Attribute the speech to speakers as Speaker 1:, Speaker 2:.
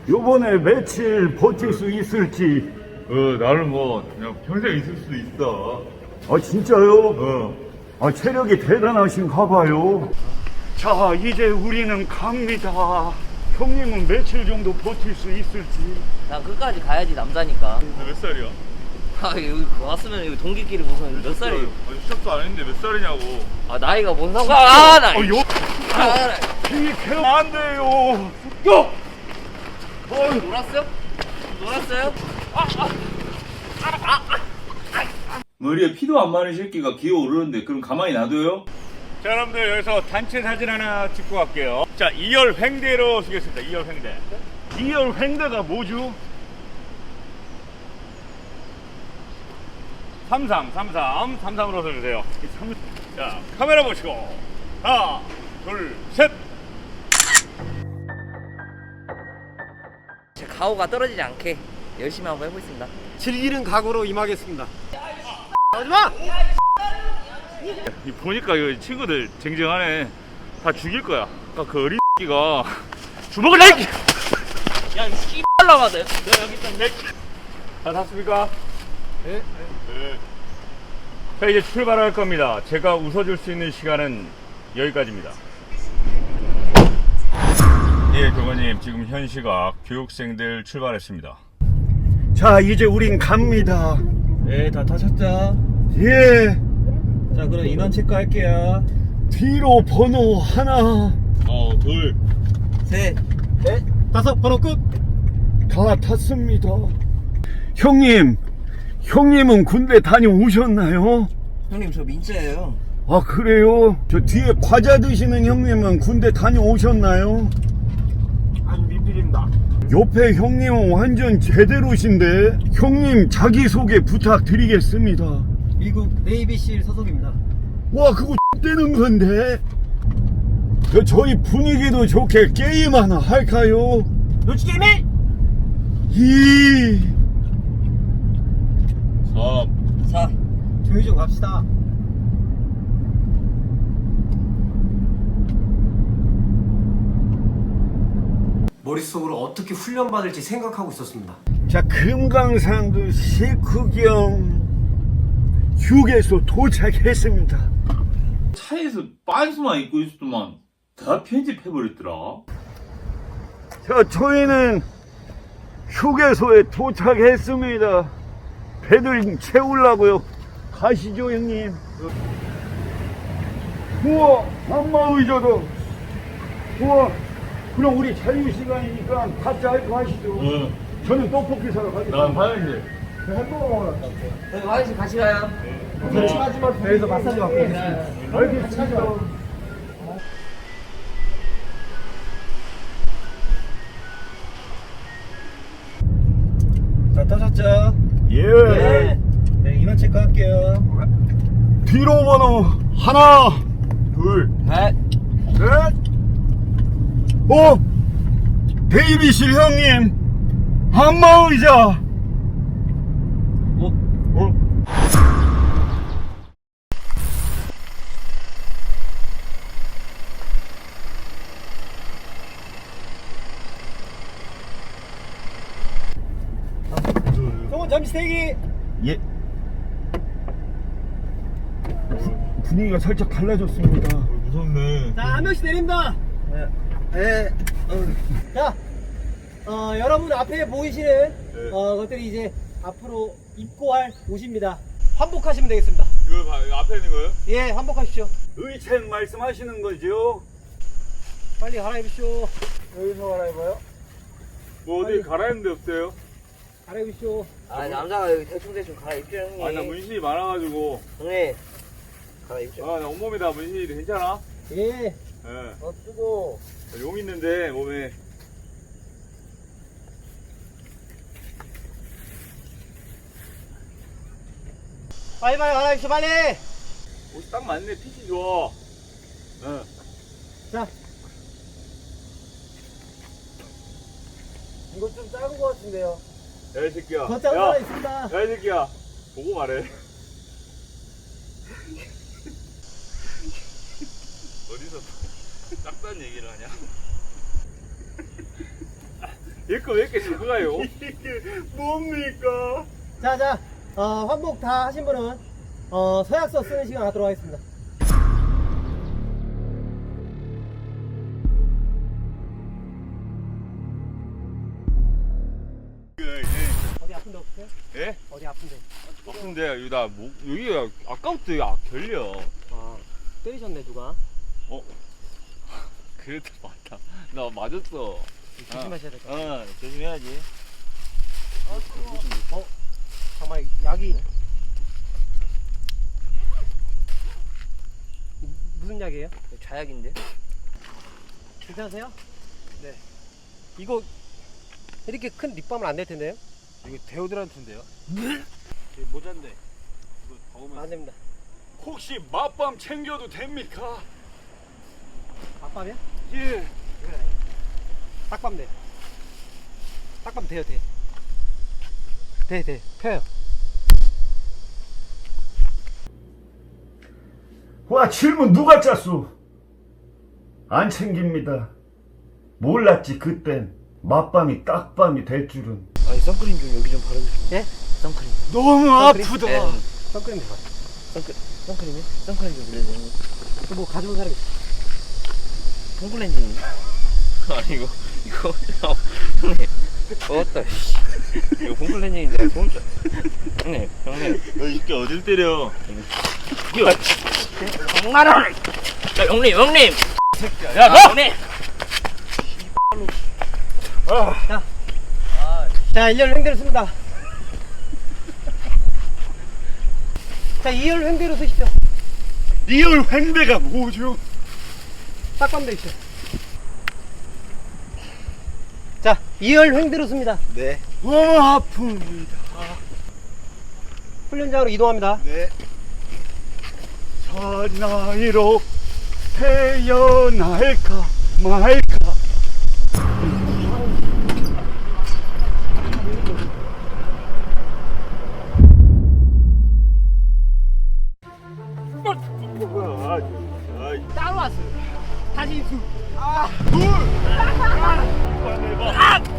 Speaker 1: 요번에 며칠 버틸 수 있을지.
Speaker 2: 나는 뭐 그냥 평생 있을 수도 있어.
Speaker 1: 아, 진짜요? 아, 체력이 대단하신가 봐요. 자, 이제 우리는 갑니다. 형님은 며칠 정도 버틸 수 있을지.
Speaker 3: 난 끝까지 가야지 남자니까.
Speaker 2: 너 몇 살이야?
Speaker 3: 아 여기 왔으면 여기 동기끼리 무슨 몇 살이에요?
Speaker 2: 시작도 안 했는데 몇 살이냐고.
Speaker 3: 아 나이가 뭔 상관? 나.
Speaker 1: 비켜 안 돼요. 요!
Speaker 3: 놀았어요? 놀았어요?
Speaker 2: 머리에 피도 안 마른 새끼가 기어오르는데 그럼 가만히 놔둬요?
Speaker 1: 자, 여러분들 여기서 단체 사진 하나 찍고 갈게요. 자, 2열 횡대로 쓰겠습니다. 2열 횡대. 2열 횡대가 뭐죠? 33으로 써주세요. 자, 카메라 보시고 하나, 둘, 셋.
Speaker 3: 제 가오가 떨어지지 않게 열심히 한번 해보겠습니다.
Speaker 4: 즐기는 각오로 임하겠습니다. 하지마!
Speaker 1: 보니까 이 친구들 쟁쟁하네. 다 죽일 거야. 아까 그 어린 X가 주먹을 내!
Speaker 3: 야이 씨발라마들.
Speaker 1: 여기 있다, 내. 다 탔습니까?
Speaker 4: 네.
Speaker 1: 자, 이제 출발할 겁니다. 제가 웃어줄 수 있는 시간은 여기까지입니다. 예, 교관님, 지금 현 시각 교육생들 출발했습니다. 자, 이제 우린 갑니다.
Speaker 4: 네, 다 타셨죠?
Speaker 1: 예.
Speaker 4: 자, 그럼 인원 체크할게요.
Speaker 1: 뒤로 번호 하나.
Speaker 2: 둘.
Speaker 3: 셋.
Speaker 4: 넷, 다섯, 번호 끝!
Speaker 1: 다 탔습니다. 형님은 군대 다녀오셨나요?
Speaker 3: 형님 저 민재예요.
Speaker 1: 아, 그래요? 저 뒤에 과자 드시는 형님은 군대 다녀오셨나요?
Speaker 4: 아니, 민필입니다.
Speaker 1: 옆에 형님은 완전 제대로신데. 형님 자기소개 부탁드리겠습니다.
Speaker 4: 미국 네이비실 소속입니다.
Speaker 1: 와, 그거 X되는 건데. 저희 분위기도 좋게 게임 하나 할까요?
Speaker 4: 놀치 게임이!
Speaker 1: 2
Speaker 3: 4.
Speaker 4: 조용히 좀 갑시다. 머릿속으로 어떻게 훈련받을지 생각하고 있었습니다.
Speaker 1: 자, 금강산도 식후경 휴게소 도착했습니다.
Speaker 2: 차에서 빤스만 입고 있었더만 다 편집해버렸더라.
Speaker 1: 자, 저희는 휴게소에 도착했습니다. 배들 채우려고요. 가시죠, 형님. 우와, 안마의자도. 우와, 그럼 우리 자유시간이니까 각자 할 거 하시죠. 저는 떡볶이 사러 가겠습니다.
Speaker 2: 난 화장실.
Speaker 1: 햄버거 먹으러 갈게요.
Speaker 3: 저희 화장실 같이 가요.
Speaker 4: 같이 가지만 배에서 마사지 받고 있습니다.
Speaker 1: 알겠습니다.
Speaker 4: 자, 타셨죠?
Speaker 1: 예.
Speaker 4: 네, 인원 체크할게요.
Speaker 1: 뒤로 번호 하나, 둘,
Speaker 3: 셋.
Speaker 1: 넷. 데이비실 형님, 안마의자.
Speaker 4: 형은 잠시 대기!
Speaker 1: 예. 분위기가 살짝 달라졌습니다.
Speaker 2: 무섭네.
Speaker 4: 자, 한 명씩 내립니다. 네. 자, 여러분 앞에 보이시는 것들이 이제 앞으로 입고할 옷입니다. 환복하시면 되겠습니다.
Speaker 2: 이거 앞에 있는 거예요?
Speaker 4: 예, 환복하십시오.
Speaker 1: 의책 말씀하시는 거죠?
Speaker 4: 빨리 갈아입으시오. 여기서 갈아입어요?
Speaker 2: 뭐 어디 갈아입는 데 없어요?
Speaker 4: 갈아입으시오.
Speaker 3: 아 남자가 여기 대충 갈아입죠 형님.
Speaker 2: 나 문신이 많아가지고.
Speaker 3: 형님 갈아입죠.
Speaker 2: 나 온몸이다 문신이. 괜찮아?
Speaker 4: 예.
Speaker 2: 예.
Speaker 4: 쓰고.
Speaker 2: 용 있는데 몸에.
Speaker 4: 빨리 갈아입시오, 빨리!
Speaker 2: 옷이 딱 맞네. 핏이 좋아.
Speaker 4: 자. 이거 좀 작은 것 같은데요.
Speaker 2: 야, 이 새끼야.
Speaker 4: 더 작은
Speaker 2: 야,
Speaker 4: 하나 있습니다.
Speaker 2: 야, 이 새끼야. 보고 말해. 어디서 작다는 얘기를 하냐? 얘거 왜 이렇게 작아요?
Speaker 1: 이게 뭡니까?
Speaker 4: 자, 환복 다 하신 분은 서약서 쓰는 시간 갖도록 하겠습니다. 어디 아픈 데 없으세요?
Speaker 2: 예?
Speaker 4: 어디 아픈 데?
Speaker 2: 아픈데 여기 나 여기가 아까부터 결려.
Speaker 4: 아, 때리셨네 누가?
Speaker 2: 그래도 맞다. 나 맞았어.
Speaker 4: 조심하셔야 될 것 같아요.
Speaker 2: 조심해야지.
Speaker 4: 정말 약이 무슨 약이에요?
Speaker 3: 좌약인데?
Speaker 4: 괜찮으세요? 네. 이거 이렇게 큰 립밤을 안 낼 텐데요?
Speaker 5: 이거 데오드란트인데요? 모자인데 이거 더우면
Speaker 4: 안 됩니다.
Speaker 1: 혹시 맛밤 챙겨도 됩니까?
Speaker 4: 밥밤이야?
Speaker 1: 예.
Speaker 4: 딱밤 돼. 딱밤 돼요, 돼. 돼. 펴요.
Speaker 1: 와, 질문 누가 짰소? 안 챙깁니다. 몰랐지, 그땐. 맛밤이 딱밤이 될 줄은.
Speaker 3: 아니 선크림 좀 여기 좀 바르주시면.
Speaker 4: 예?
Speaker 3: 선크림.
Speaker 1: 너무 아프다.
Speaker 3: 네.
Speaker 4: 선크림 대박.
Speaker 3: 선크림이요? 선크림 좀 빌려줘.
Speaker 4: 뭐 가져온 사람이 있어?
Speaker 3: 폼클렌징. 아니 이거 형님. 어따 씨. 이거 폼클렌징인데 손. 형님.
Speaker 2: 너 이렇게 어딜 때려?
Speaker 3: 장난을. 야 형님.
Speaker 2: 야, 너!
Speaker 3: 형님.
Speaker 4: 자, 1열 횡대로 씁니다. 자, 2열 횡대로 쓰십시오.
Speaker 1: 리얼 횡대가 뭐죠?
Speaker 4: 딱밤 돼 있죠. 자, 2열 횡대로 씁니다.
Speaker 5: 네.
Speaker 1: 아픕니다.
Speaker 4: 훈련장으로 이동합니다.
Speaker 5: 네.
Speaker 1: 사나이로 태어날까 말까.
Speaker 4: 따로 왔어요. 다시 수.
Speaker 1: 둘!